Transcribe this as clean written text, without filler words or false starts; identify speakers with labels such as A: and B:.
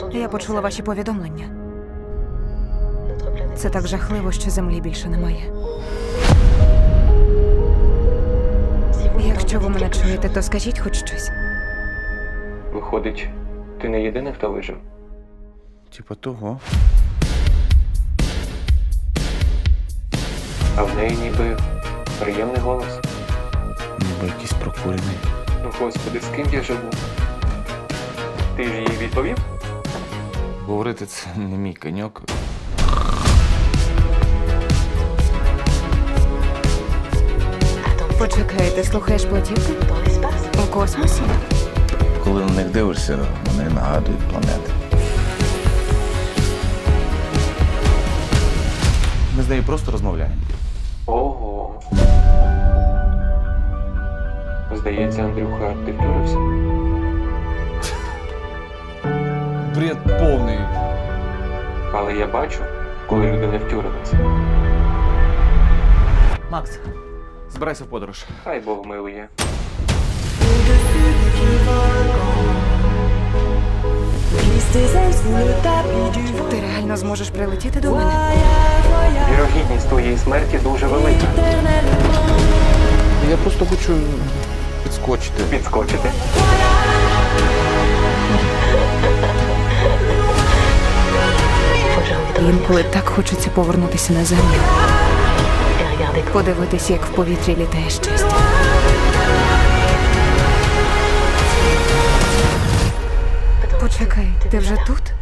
A: Я почула ваші повідомлення. Це так жахливо, що землі більше немає. Якщо ви мене чуєте, то скажіть хоч щось.
B: Виходить, ти не єдиний, хто вижив?
C: Типа того.
B: А в неї ніби приємний голос.
C: Ніби якийсь прокурений.
B: Ну, господи, з ким я живу? Ти ж їй відповів?
C: Говорити це не мій коньок.
A: Почекай, ти слухаєш платівки? У космосі?
C: Коли на них дивишся, вони нагадують планети. Ми з нею просто розмовляємо.
B: Ого. Здається, Андрюха, ти втюрився.
C: Бред повний.
B: Але я бачу, коли люди не втюрилися.
C: Макс, збирайся в подорож.
B: Хай Бог милує.
A: Ти реально зможеш прилетіти до мене?
B: Вірогідність твоєї смерті дуже велика.
C: Я просто хочу підскочити.
B: Підскочити?
A: Інколи так хочеться повернутися на землю. Подивитися, як в повітрі літає щастя. Почекай, ти вже тут?